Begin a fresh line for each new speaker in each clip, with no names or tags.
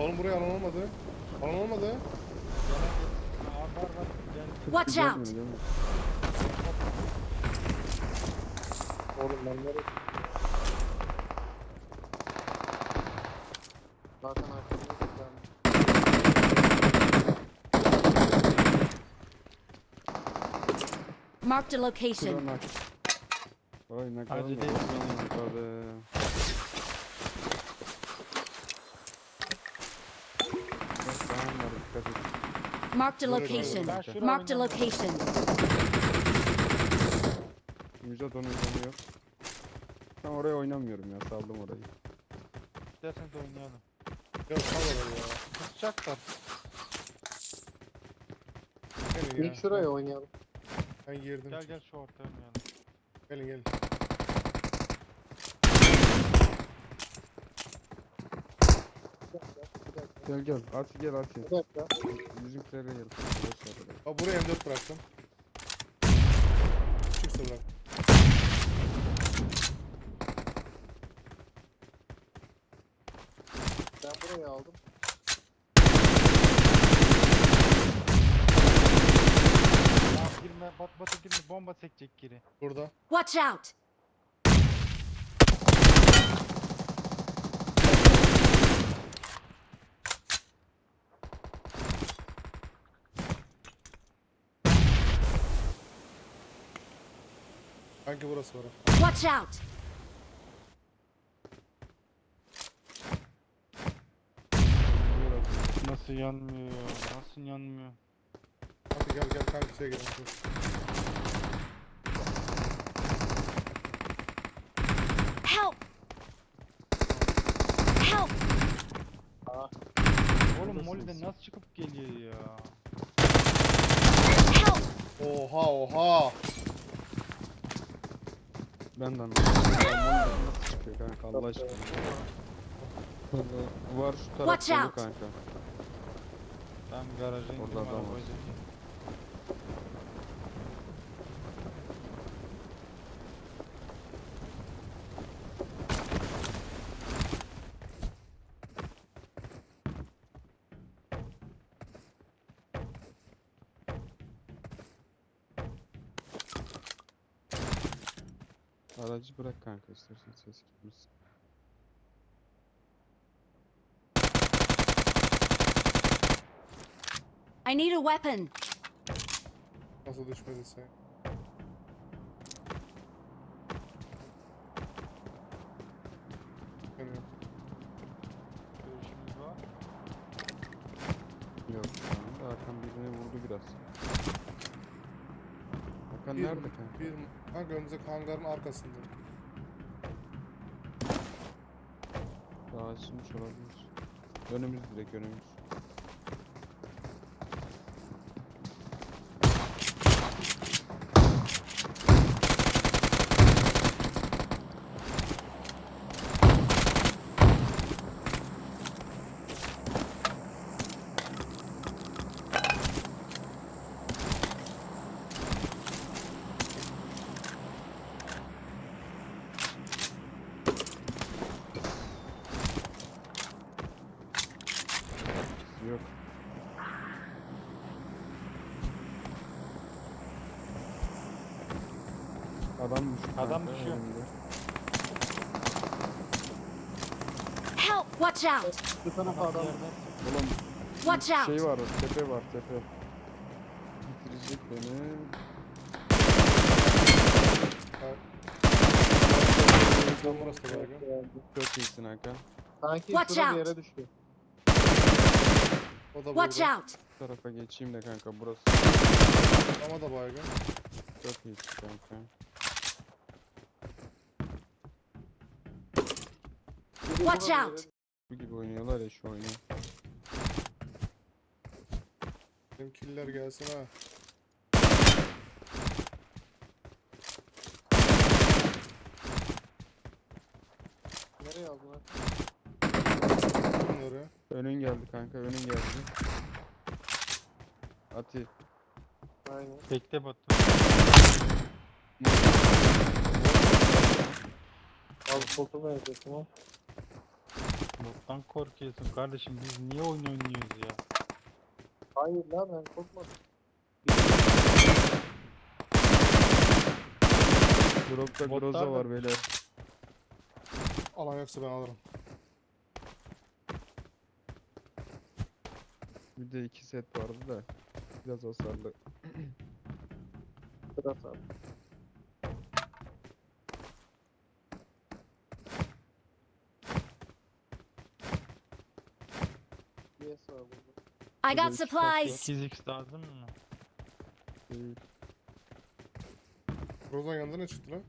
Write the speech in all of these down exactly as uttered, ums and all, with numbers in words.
Oğlum buraya alan olmadı. Alan olmadı.
Aa, var var. Gel.
Watch
Gelmiyor,
out!
gelmiyor.
Oğlum ben nereye? Zaten arkamda ben.
Marked a location.
Şuradan bak. Vay ne kadar
Hadi
mı?
de-
Hadi. Bak, tamam var, dikkat et.
Marked a
Burada,
location.
Ben şuraya
Marked a
oynamıyorum.
location.
Müjdat onun canı yok. Ben oraya oynamıyorum ya, saldım orayı.
İsterseniz oynayalım.
Ya sal orayı ya.
Kusacaklar.
Gelin ya.
İlk şuraya oynayalım.
Ben girdim.
Gel gel şu ortaya oynayalım.
Gelin gelin.
Bir dakika, bir dakika.
Gel gel, Ati gel Ati.
Bir dakika.
Bizimkilere gel. Boş ver orayı.
Bak buraya M dört bıraktım. Çıksa bırak.
Ben burayı aldım.
Ya girme, bat batı girme, bomba sekecek geri.
Burada.
Watch out!
Sanki burası var.
Watch out!
Nasıl yanmıyor ya? Nasıl yanmıyor?
Hadi gel gel kanka şeye gidelim. Dur.
Help! Help!
Oğlum
Buradasınız.
Molly'den nasıl çıkıp geliyor ya?
Help!
Oha oha.
Ben de anlamadım. Nasıl çıkıyor kanka Allah aşkına. Var şu taraf
Watch
dolu
out.
kanka.
Ben garaja indim
Orada adam var.
arabayı çekeyim.
Aracı bırak kanka istersen ses gitmesin.
I need a weapon.
Nasıl düşmediyse. Yani
Görüşümüz var.
Yok şu anda Hakan birine vurdu biraz. Hakan
bir,
nerede kanka?
bir kanka önümüzdeki hangarın arkasında.
Daha açılmış olabilir. Önümüz direkt önümüz. Yok. Adam düşüyor.
Adam
kanka
düşüyor.
önümde.
Help! Watch out!
Bu tarafa adam.
Yerden
Oğlum
Watch
şey
out!
var, tepe var, tepe. Bitirecek beni.
Tam burası da baygın.
Çok iyisin Hakan.
Sanki
Watch
şurada bir
out.
yere düştü.
O da
Watch
burada.
out!
Bu tarafa geçeyim de kanka burası.
Ama da baygın.
Çok iyisin kanka.
Biri
Watch
burada bir
out.
yere-
Bu gibi oynuyorlar ya şu oyunu.
Benim killer gelsin ha.
Nereye aldın lan?
Bunları.
Önün geldi kanka, önün geldi. Ati.
Aynen.
bekle Batu.
Al koltuğu verecektim o.
Bottan korkuyorsun kardeşim. Biz niye oyun oynuyoruz ya?
Hayır lan ben korkmadım.
Drop'ta
Botlar
Groza
da-
var beyler.
Alan yoksa ben alırım.
Bir de iki set vardı da. Biraz hasarlı.
Biraz abi. Yes var burada.
I
Burada
got
iki kat
supplies.
sekiz x lazım mı?
Değil.
Rozan yanında ne çıktı lan?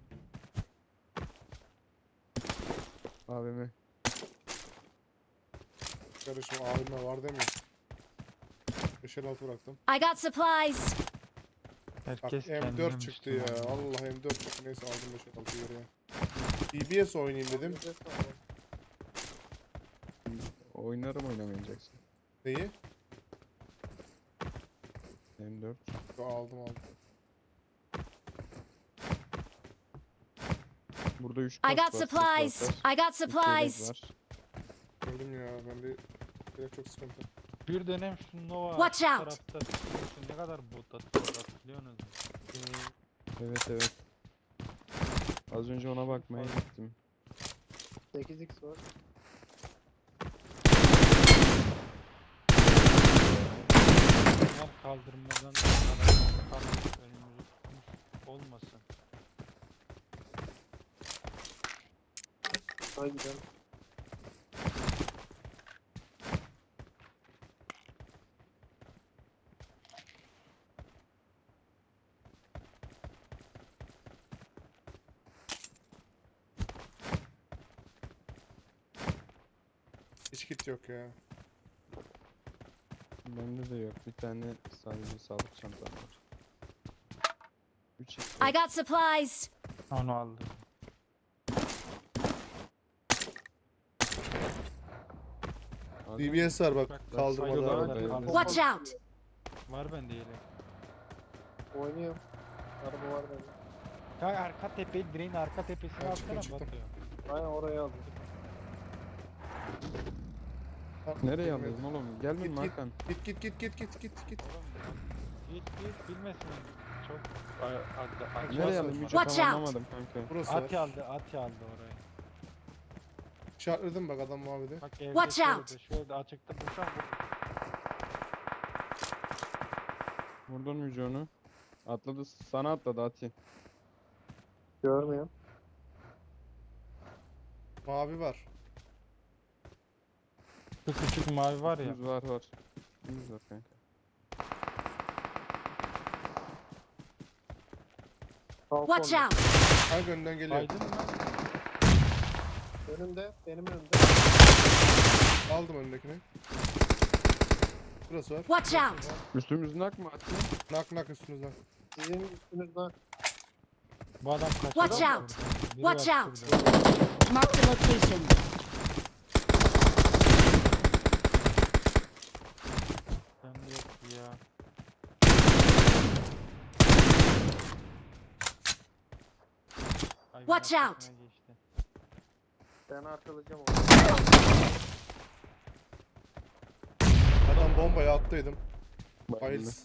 A V M.
Kardeşim abime var demiyor. beş elli altı bıraktım.
I got supplies.
Bak
Herkes
M
kendine
dört çıktı ya.
Müslüman.
Allah M dört çıktı. Neyse aldım beş elli altı geriye. D B S oynayayım dedim.
Yes var.
Oynarım oynamayacaksın.
Neyi?
M dört.
Yo, aldım aldım.
Burada üç
I
kat
got
var, set
supplies.
var.
I got
İki yelek
supplies.
var.
Gördüm ya ben bir direkt çok sıkıntı.
Bir dönem şu Nova
Watch
şu
out.
tarafta biliyorsun ne kadar bot atıyor hatırlıyorsunuz mu?
Hmm,
Evet evet. Az önce ona bakmaya gittim.
sekiz x var.
Bunlar kaldırmadan aralarını kaldırıp önümüzü tutmuş olmasın.
Haydi gidelim.
hiç kit yok ya.
Bende de yok. Bir tane sadece sağlık çantam var. üç x
I got supplies.
Onu aldım.
D B S var bak
Bak,
kaldırmada.
saygılar
arada ya.
var.
Watch out.
Var bende yelek.
Oynuyorum. Araba var bende.
Ya arka tepe, direğin arka tepesine
Ben çıktım,
atsana
çıktım.
batıyor.
Aynen oraya aldım.
Nereye alıyorsun oğlum? Gelme
Git,
mi
git.
Hakan?
Git git git git git git git.
Oğlum bak, git git bilmesin. Çok a- a- a-
Nereye
var.
alayım? Müce
Watch
tam
out.
anlamadım kanka.
Burası
At
var.
aldı, at aldı orayı.
İşaretledim bak adam mavide.
Bak evde
Watch
şöyle
out.
de, şöyle de açıkta dursan vur.
Vurdun Müce onu. Atladı. Sana atladı Ati.
Görmüyorum.
Mavi var.
Şu küçük mavi var ya.
Yüz var var. Yüz var kanka.
Sağ
Watch
kolda.
out.
Hangi önden geliyor?
Aydın mı?
Önümde. Benim önümde.
Aldım önündekini. Burası var.
Watch out.
Üstümüzün ak mı Ati?
Nak nak üstünüzden.
Sizin üstünüzden.
Bu adam kaçırdı.
Watch
mı
out.
buradan? Biri
Watch
var
out.
şurada.
Marked a location.
Bende yok ya. Ay,
Watch
arkasına
out.
geçti.
Ben arkalayacağım onu.
Adam bombayı attıydım.
Bayıldı.
Hayırlısı.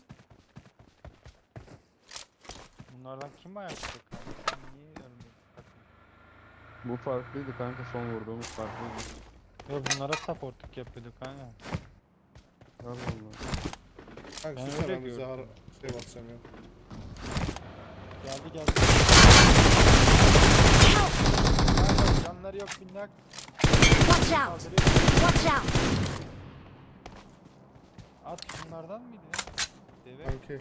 Bunlardan kim ayakta kaldı? Niye ölmedi?
Bu farklıydı kanka, son vurduğumuz farklıydı.
Ve bunlara supportluk yapıyorduk kanka.
Allah Allah.
Kanka
Ben
susana
öyle
ben bize
gördüm.
har- şey basacağım ya.
Geldi geldi. Kanka canları yok minnak.
Watch out.
Kaldırıyor.
Watch out.
At şunlardan mıydı ya? Deve.
Kanki.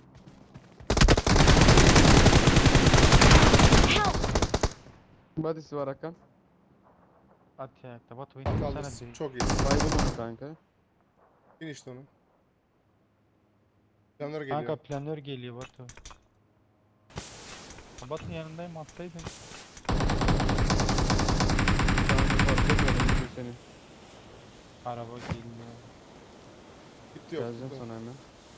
Help.
Body'si var Hakan.
At ya. Tabat
At
oyunu
almışsın.
sana bir.
Çok iyisin.
Baygın onu kanka.
Bin işte onu. Canları geliyor.
Kanka planör geliyor Batu. Batın yanındayım atsaydın.
Kanka farklıyorum Müce seni.
Araba geliyor.
Gitti yok.
Geleceğim
gitti.
sana hemen.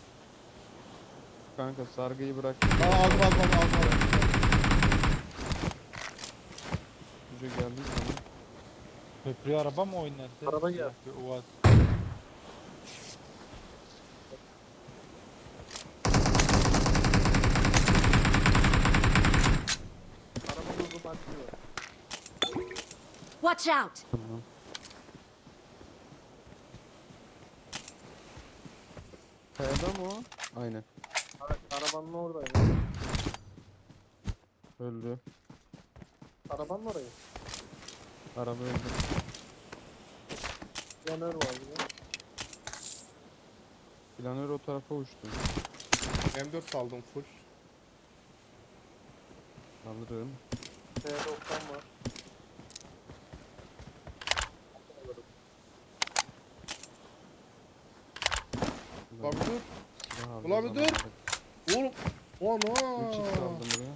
Kanka sargıyı bırak.
Aa aldım aldım aldım aldım. aldım.
Müce geldi sana.
Köprüye araba mı oynadı?
Araba geldi.
Bir Uaz.
Araba hızlı başlıyor.
Watch out!
Tamam. Kayada mı o? Aynen.
Ara- Arabanın oradaydı.
Öldü.
Arabanın orayı.
Araba öldü.
Yanör var bir de.
Planör o tarafa uçtu.
M dört saldım full.
Alırım.
T doksan var.
Ulan bir dur.
Silah aldım
Ulan bir dur.
zamanında.
Oğlum.
üç x
Ana.
aldım buraya.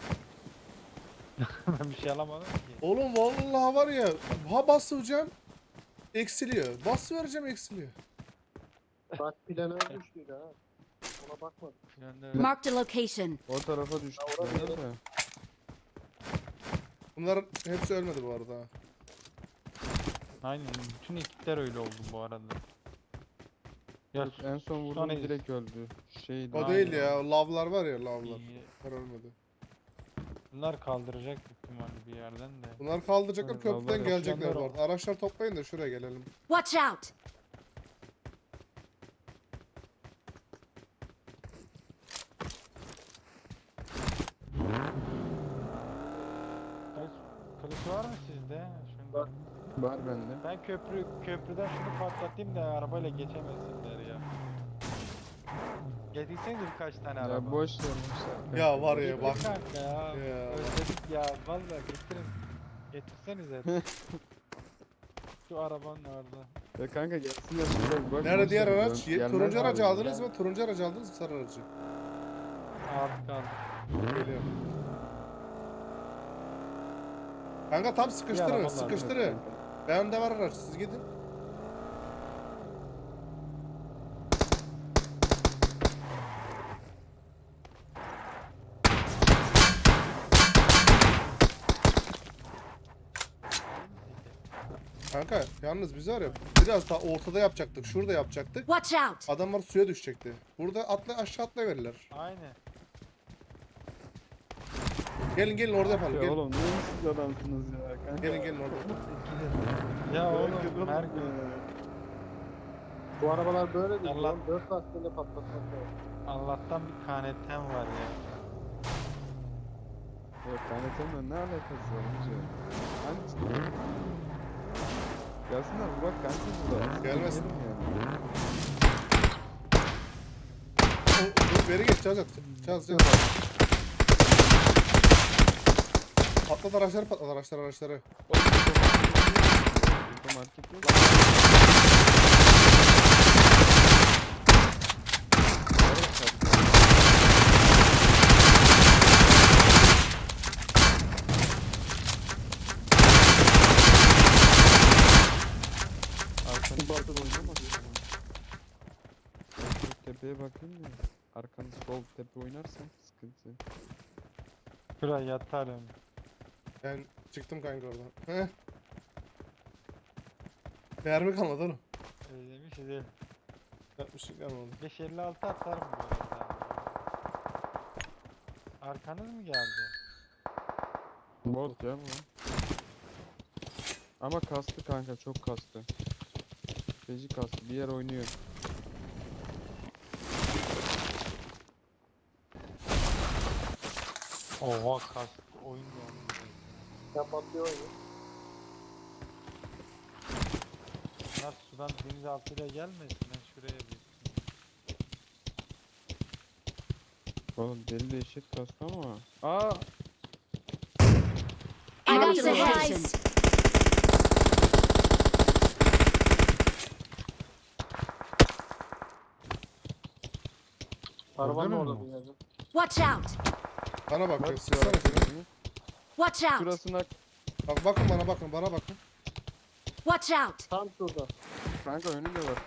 Ben bir şey alamadım ki.
Oğlum vallahi var ya. Ha basacağım. Eksiliyor. Bas vereceğim eksiliyor.
Bak planör düştüydü ha. Ona bakmadım.
Planör.
Marked a location.
O tarafa düştü.
Ya orada
planör
bir-
de.
Bunların hepsi ölmedi bu arada.
Aynen bütün ekipler öyle oldu bu arada. Ya
En son vurdum
Sonra-
direkt öldü. Şey
O
Aynen.
değil ya. Lavlar var ya lavlar.
iyi.
Bunlar ölmedi.
Bunlar kaldıracak büyük ihtimalle bir yerden de.
Bunlar kaldıracaklar
Evet,
köprüden
lavlar
gelecekler
yapılanlar
bu
o.
arada. Araçlar toplayın da şuraya gelelim.
Watch out!
Kılıç, kılıç var mı sizde? Şunda.
Var.
Var bende.
Ben köprü köprüden şunu patlatayım da arabayla geçemesinler ya. Getirsenize birkaç tane araba.
Ya boş ver boş ver.
Ya var ya
Getir
bak.
kanka ya.
Ya.
Özledik ya vallahi getirin. Getirsenize. Şu arabanın orada.
Ya kanka gelsin ya şuraya bir bak.
Nerede
boş
diğer
ver,
araç?
dön.
Ye-
Gelmez
Turuncu
abi
aracı
ya.
aldınız mı? Turuncu aracı aldınız mı? Sarı aracı.
Aldık aldık.
Geliyor. Kanka tam sıkıştırın,
arabalar,
sıkıştırın. Bende var araç, siz gidin. Kanka yalnız biz var ya biraz daha ortada yapacaktık. Şurada yapacaktık.
Watch out!
Adamlar suya düşecekti. Burada atla aşağı atlayıverirler.
Aynen.
Gelin gelin orada yapalım.
Ya
Gelin.
oğlum ne siz adamsınız ya kanka.
Gelin gelin orada.
Ya oğlum
Oğlum,
her
ya.
gün
Bu arabalar böyle değil.
Allah-
Lan dört lastiğiyle patlatmak lazım.
Allah'tan bir kanetten var ya.
Yok kanetemle ne alakası var hacı? Hangisi? Gelsinler bak kanka burada.
Gelmesin.
Gelin yani.
O- Dur beri geç Caz at. Caz Caz. Patlat araçları patlat araçları araçları.
Burada market yok. Evet, tabii. Arkanı bakın oynamaz. Ben şu tepeye bakayım da. Arkanı sol tepe oynarsan sıkıntı.
Şuraya yatarım.
Ben çıktım kanka oradan. Heh. Mermi kalmadı oğlum.
Özlemiş değil.
Yapmış şey kalmadı.
beş elli altı atarım bu arada. Arkanız mı geldi?
Bot ya bu. Ama kastı kanka çok kastı. Feci kastı bir yer oynuyor.
Oha kas oyun geldi.
Sen patlıyor oyunu.
Bunlar sudan denizaltıyla gelmesin. Ben şuraya bir.
Oğlum deli de eşit kastı ama. Aa!
I got
Marked a
supplies!
location.
Arabanın
Öldü mü
orada
bu?
bir yerde.
Watch out!
Bana bak.
Bak
ya, Sıksana şunu.
Watch out!
Şurasına
Bak bakın bana bakın bana bakın.
Watch out!
Tam şurada.
kanka önünde var.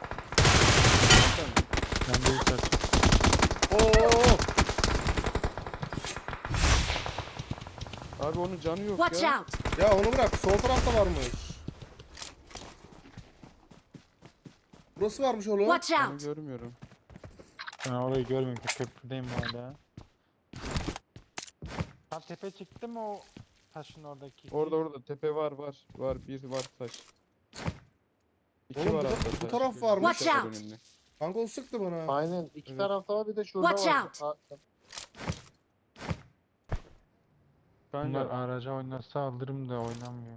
Ben de yukarı.
Oo!
Abi onun canı yok
Watch
ya.
out!
Ya onu bırak. Sol tarafta varmış. Burası varmış oğlum.
Watch
Onu
out!
görmüyorum.
Ben orayı görmüyorum ki köprüdeyim hala. Tam tepe çıktı mı o taşın oradaki?
Orada orada tepe var var. Var bir var taş. İki
Oğlum
var
bu da-
hatta
bu
taş.
taraf varmış.
Watch
Var
out.
önünde.
Kanka o sıktı bana.
Aynen. iki
Evet.
tarafta var bir de şurada
Watch
var.
out.
Ha-
Bunlar
Kanka
araca oynasa alırım da oynamıyor.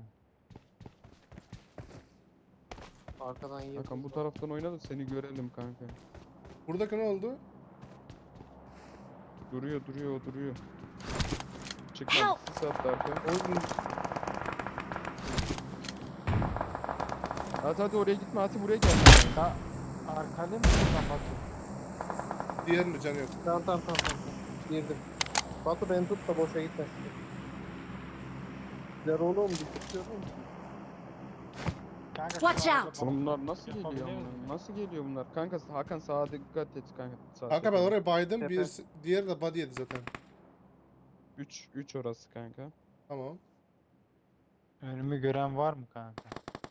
Arkadan yiyor.
Hakan bu taraftan oyna da seni görelim kanka.
Buradaki ne oldu?
Duruyor duruyor o duruyor. Çıkmadı.
Help.
Sis attı arka.
Oy.
Hadi hadi oraya gitme hadi buraya gel.
Da arkalı mı buradan Batu?
Diğerinin canı yok.
Tamam tamam tamam. tamam. Girdim. Batu beni tut da boşa gitmesin. Ya oğlum bir tutuyorum.
Kanka, şu
Watch
arada
out.
bana-
Oğlum bunlar nasıl geliyor
Yapabilir
bunlar?
miyim?
Nasıl geliyor bunlar? Kanka Hakan sağa dikkat et kanka. Sağ
Kanka ben
tepeye.
oraya baydım.
Tepe.
Bir, diğeri de body yedi zaten.
üç üç orası kanka.
Tamam.
Önümü gören var mı kanka?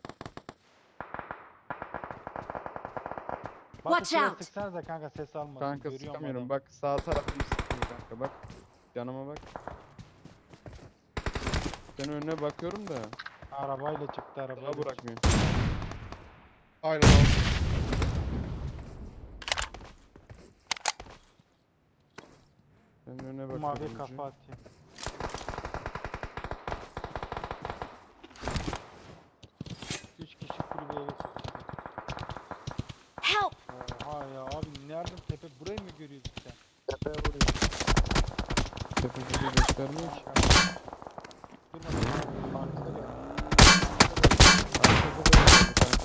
Batu
Watch
şuraya
out.
sıksanıza kanka ses almasın.
Kanka
Görüyorum
sıkamıyorum.
adamı.
Bak sağ tarafını sıkıyor kanka bak. Yanıma bak. Ben önüne bakıyorum da
Arabayla çıktı arabayla.
daha
çıktı.
bırakmıyor.
Aynen abi.
Ben önüne
Bu
bakıyorum.
mavi
önce.
kafa atayım. Üç kişi kulübeye geçti.
Help!
Oha ya abi nereden tepe burayı mı görüyorsun sen?
Tepeye vuruyor.
Tepede göstermiyor ki.
Durma durma.
Arkada gel.
Arkada da geldi kanka.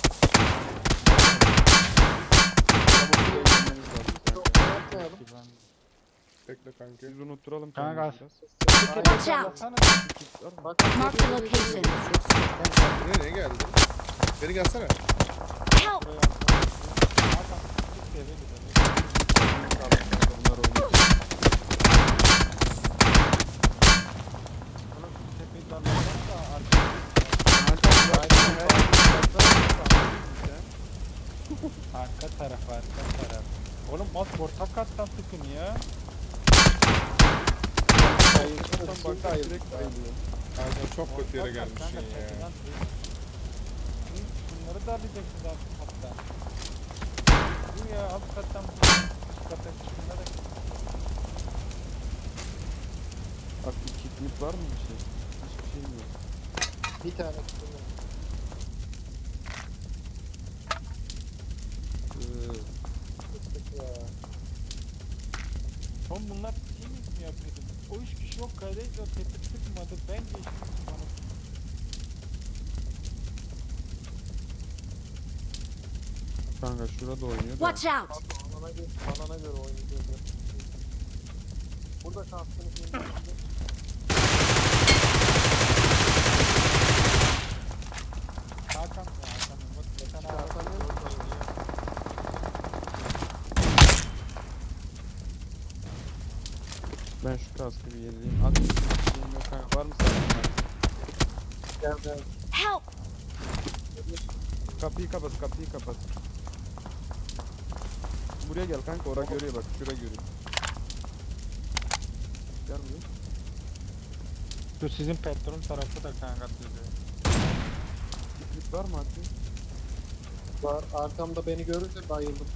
Araba buraya gelmeniz lazım
Çok
kanka.
yapmayalım.
Ki ben-
Bekle kanka.
Biz unutturalım
Kanka,
kendimizi biraz.
Watch out!
Sallasana.
Var mı?
Bak
Mark the location.
Çok sıkıntı kanka. Sen buraya niye geldin? Beni gelsene.
Help!
Buraya atla. Hakan, çık diye beni de.
Bunlar oynuyor.
Oğlum şu tepeyi darlasan da arkaya. Arka taraf arka taraf. Oğlum az orta kattan sıkın ya.
Bayıldım.
Bak
Şimdi bayıldım.
direkt bayılıyor.
Kanka çok kötü yere
Orta kat
gelmişsin
kanka,
ya.
tepeden dur. Hı, Bunları darlayacaksınız alt katta. Bu ya alt kattan bu üst kata şunları.
Bak bir kitlik var mı bir şey? Hiçbir şey yok.
Bir tane tutuyorum.
Ee,
Tuttuk ya.
Oğlum bunlar team mi yapıyordu? O üç kişi yok kaydaydı o tepe sıkmadı. Ben geçtim bana.
Kanka şurada oynuyor da.
Watch out!
Batu alana göre, alana göre oynayacağız. Burada kastını şimdi.
Hakan ya Hakan bak bir tane
Hakan
araba
yok.
orada oynuyor.
Ben şu kaskı bir yenileyim. At bir şeyim yok kanka. Var mı sağlam?
Gel gel.
Help!
Kapıyı kapat, kapıyı kapat. Buraya gel kanka, ora görüyor bak, şura görüyor. Gel buraya.
Şu sizin petrol tarafı da kanka dedi.
İplik var mı Hakkı?
Var arkamda beni görünce bayıldım.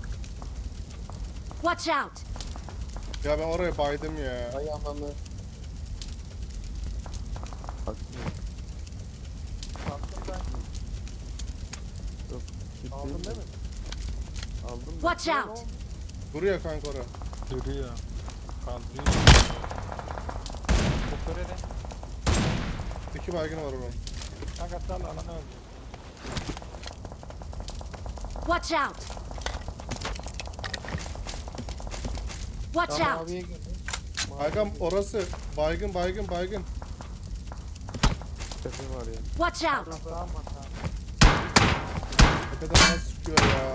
Watch out!
Ya ben oraya baydım ya.
Ayağımı
Hakkı.
kalktım ben.
Kitli
Aldın değil mi?
Aldım.
Watch
Ne
out!
oldu?
Duruyor kanka oraya.
Duruyor. Kaldırıyor. Kutöre de.
İki baygın var onun.
Kanka sal alana öldü.
Watch out! Watch
Tam
out!
maviye girdim. Maviye
Kankam
girdim.
orası. Baygın baygın baygın.
Tepe var ya.
Watch out!
Sağ mı sağ?
Tepeden bana sıkıyor ya.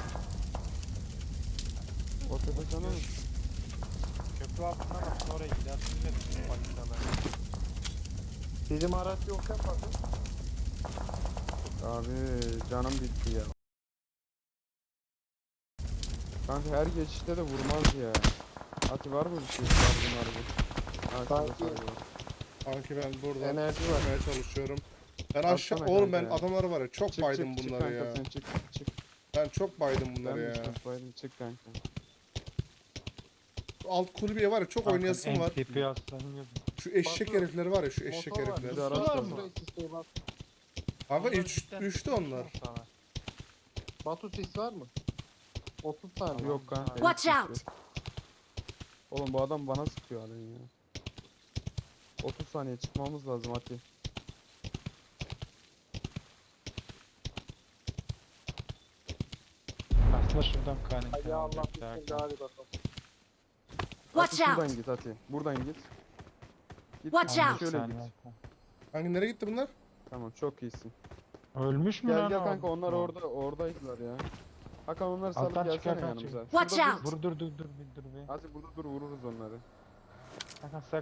O tepe sana mı?
Köprü altına bak oraya gidersin de bizim parçalar.
Bizim araç yokken bakın.
Abi canım bitti ya. Kanka her geçişte de vurmaz ya. Ati var mı bir şey? Sargı margı. Ha, şurada
Sanki-
sargı var.
Kanki ben buradan
Enerji var.
çıkmaya çalışıyorum. Ben
Atsana
aşağı
kanka
oğlum ben
ya.
adamları var ya çok
Çık
baydım
çık çık
bunları
kanka
ya.
sen çık çık.
Ben çok baydım
Ben
bunları
mi
ya.
çık baydım çık kanka.
Alt kulübeye var ya çok oynayasım var.
M T P aslanım.
Şu eşek
Batu,
herifleri var ya şu eşek
Motor var.
herifler.
Bir de araç
Var
var.
mı? Sisteği bak.
Kanka
Onlar
üç,
cidden
üçtü onlar.
sana.
Batu sis var mı? otuz saniye.
Yok kanka.
Watch
yok,
out.
yok. Oğlum bu adam bana sıkıyor halen ya. otuz saniye çıkmamız lazım Ati.
Aslında şuradan kaynaklı.
Ay ya Allah bismillah hadi bakalım.
Watch
Ati şuradan
out.
git Ati. Buradan git. Git
Watch
git,
out.
şöyle git.
Hangi nereye gitti bunlar?
Tamam çok iyisin.
Ölmüş mü
Gel
lan
gel
o?
kanka onlar
O.
orada oradaydılar ya. Hakan onları salıp
Alttan çık,
gelsene
Hakan
yanımıza.
çık. Watch
Şurada
out.
dur.
Dur dur dur dur bir dur bir.
Hadi burada dur vururuz onları.
Hakan sak.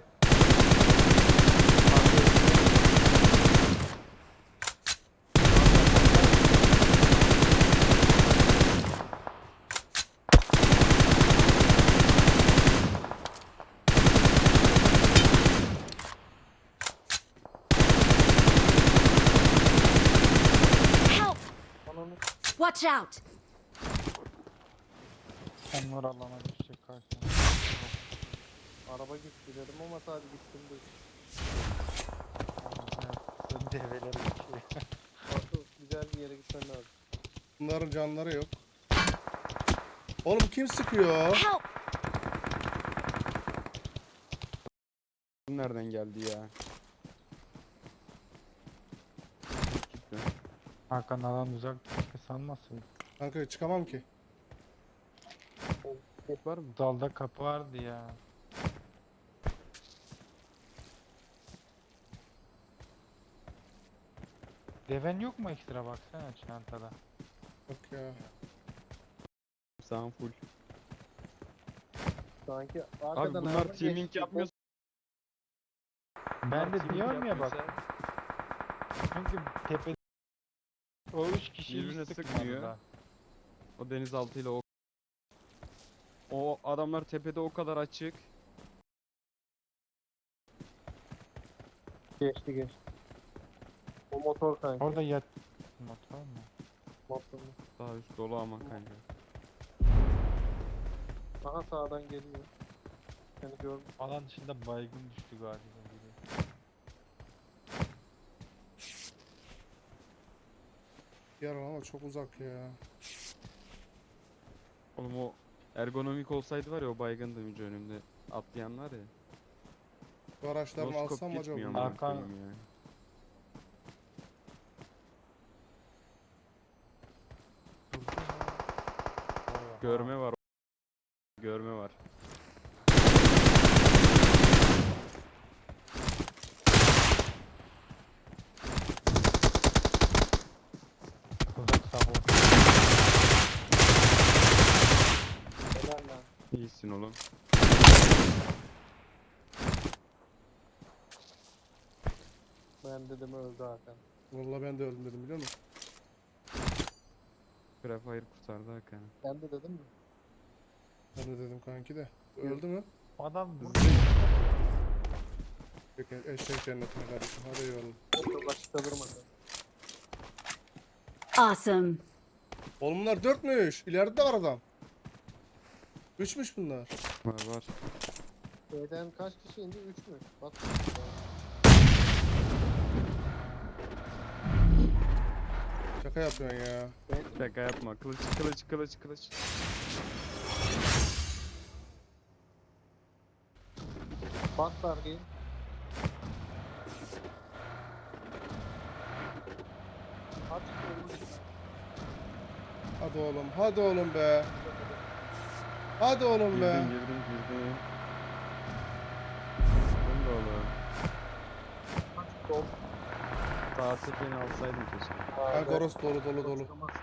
Help!
Ananı
Watch out!
Onlar alana düşecek karşına.
araba gitti dedim ama sadece gittim de.
Sen develeri geçiyor.
Batu güzel bir yere gitmen lazım.
Bunların canları yok. Oğlum kim sıkıyor?
Help!
Nereden geldi ya? Gitti.
Hakan alan uzak keşke sanmasın.
Kanka çıkamam ki.
Var mı?
Dalda kapı vardı ya. Deven yok mu ekstra baksana çantada.
Yok ya.
Sağım full.
Sanki
Abi
arkadan
bunlar
araba
teaming
geçti.
yapmıyor.
Ben de
Teaming
diyorum ya bak.
yapmıyorsa
Çünkü tepe o üç kişi
Birbirine
hiç
sıkmıyor.
sıkmıyor. Da.
O denizaltıyla o o adamlar tepede o kadar açık.
Geçti geçti. O motor kanki.
Orada yat motor mu?
Motor.
Daha üst dolu ama kanka.
Aha sağdan geliyor. Seni gördüm.
Alan dışında baygın düştü galiba biri.
Yer ama çok uzak ya.
Oğlum o ergonomik olsaydı var ya o baygındı önce önümde atlayanlar ya.
Bu araçlarını
Noskop
alsam mı
geçmiyor
acaba?
amına
Hakan-
koyayım ya. Görme var. Görme var.
Uzak sabah.
Helal lan.
İyisin oğlum.
Ben dedim öldü Hakan.
Vallahi ben de öldüm dedim biliyor musun?
Grafire kurtardı Hakan'ı.
Ben de dedim mi?
Ben de dedim kanki de. Öldü mü?
Adam burada.
Peki eşek cennetine kardeşim. Hadi eyvallah.
Motor başta durmadı.
Awesome!
Oğlum bunlar dörtmüş. İleride de var adam. Üçmüş bunlar.
Var var.
B'den kaç kişi indi? Üç mü? Bak.
Şaka yapıyorsun ya.
Ben
Şaka yapma. Kılıç kılıç kılıç kılıç.
bak sargıyı. Aç kolunu.
Hadi oğlum. Hadi oğlum be. Hadi oğlum be.
Girdin girdin girdin. Ben de oğlum.
Aç kol.
Sağ tepeni alsaydım keşke.
Kanka orası dolu dolu dolu.
Çıkamazsın.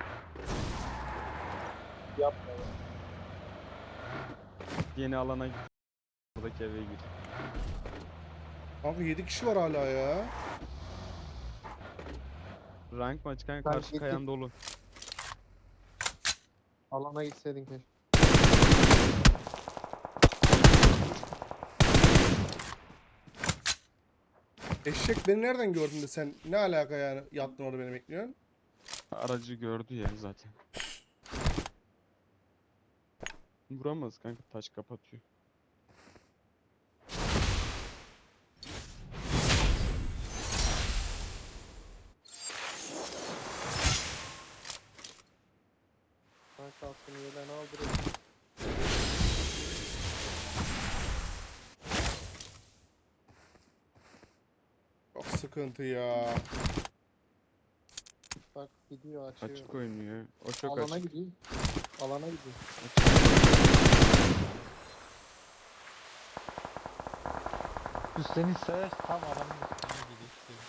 Yapma ya.
Yeni alana git. Buradaki eve gir.
Kanka yedi kişi var hala ya.
Rank maç kanka
Ben
karşı
gittim.
kayan dolu.
Alana gitseydin keşke.
Eşek beni nereden gördün de sen ne alaka yani yattın orada beni bekliyorsun?
Aracı gördü ya zaten. Vuramaz kanka, taş kapatıyor.
Ben kaskını yerden al direkt.
Çok sıkıntı ya.
Bak gidiyor açıyor.
Açık oynuyor. O çok
Alana
açık.
gideyim. Alana gideyim.
Üstlenin sayaç tam adamın üstüne gidiyor.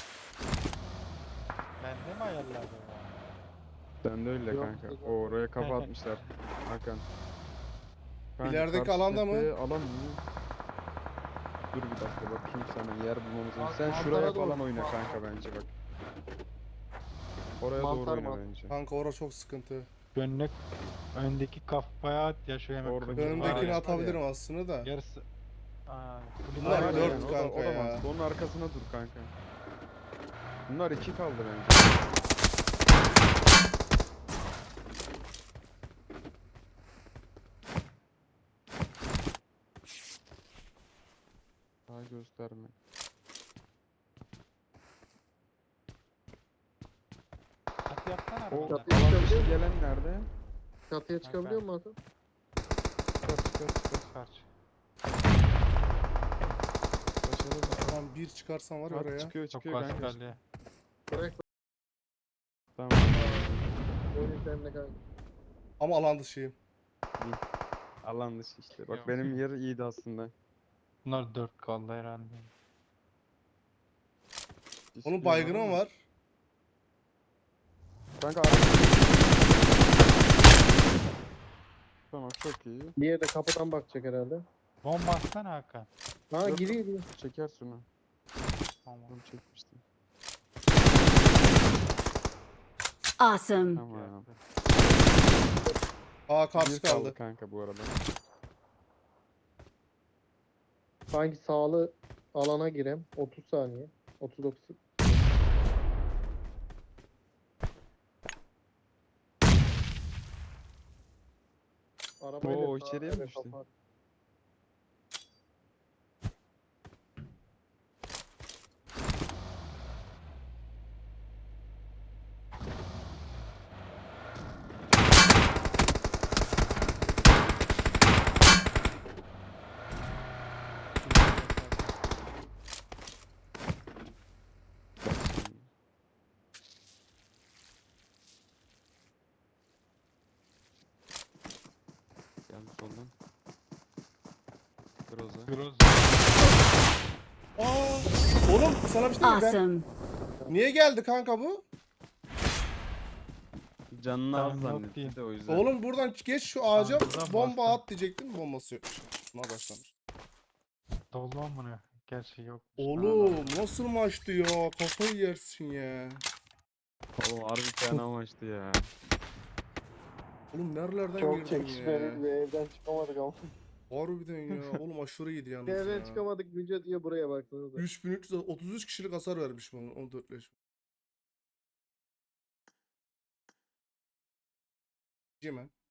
Bende mi ayarladı o?
Ben de öyle
Yok,
kanka.
yok.
O oraya kafa atmışlar. Hakan. Kanka,
İlerideki
karşı
alanda mı?
tepeye alan mı? Dur bir dakika bakayım sana yer bulmamız lazım. Sen
Manzara
şuraya
doğru.
falan oyna kanka bence bak. Oraya doğru
Mantar,
oyna
mantar.
bence.
Kanka orası çok sıkıntı.
Önüne, öndeki kafaya at ya şu hemen
Oradaki
kırmızı var
Önümdekini
ya.
atabilirim aslında da.
Yarısı. Aa,
Bunlar
var ya.
dört
o da,
kanka
o da
ya.
mantıklı. Onun arkasına dur kanka. Bunlar iki kaldı bence. Daha gösterme.
At yapsana
O
arada.
Çatıya
alan
çıkabiliyor
dışı
musun?
gelen nerede?
Çatıya
Bak
çıkabiliyor
ben-
musun Hakan?
Çıkar çıkar çıkar.
Kaç.
Başarılı.
Tamam bir çıkarsan var ya
Hadi
oraya.
çıkıyor
Çok
çıkıyor kanka.
kaskali.
Bırak
Tamam.
oyun sende kanka.
Ama alan dışıyım.
İyi. Alan dışı işte. Bak
Yok.
benim yer iyiydi aslında.
Bunlar dört kaldı herhalde.
Onun
İstiyorlar
baygını mı
ama-
var?
Kanka araç. Tamam çok iyi.
Diğeri de kapıdan bakacak herhalde.
Bomba atsana Hakan.
Ha
Yok.
giriyor giriyor.
Çeker şunu.
Tamam.
Onu çekmiştim.
Awesome.
Tamam.
Aa karşı
Bir
kaldı.
kanka bu arada.
Sanki sağlı alana girem. otuz saniye. otuz dokuz. Arabayla
Oo,
sağa,
içeriye mi
evet,
düştü?
kafa.
Bak şimdi. Geldi soldan. Groza.
Groz.
Aa, oğlum sana bir şey diyeyim mi?
Awesome.
Ben... Niye geldi kanka bu?
Canını
Tamam,
az
yok
zannetti
diyeyim.
de o yüzden.
Oğlum buradan geç şu ağaca
Ağzına
bomba
bastım.
at diyecektim bombası yokmuş. Buna başlamış.
Dolu amına. Gerçi yok.
Oğlum nasıl maçtı ya? Kafayı yersin ya.
Oğlum harbi fena maçtı ya.
Oğlum nerelerden
Çok
girdin
çekişmeli
ya?
bir evden çıkamadık ama.
Harbiden ya. Oğlum aşırı iyiydi yalnız
Bir evden
ya.
çıkamadık Müce diye buraya baksanıza.
üç bin üç yüz otuz üç kişilik hasar vermiş bana on dört leş. Cimen.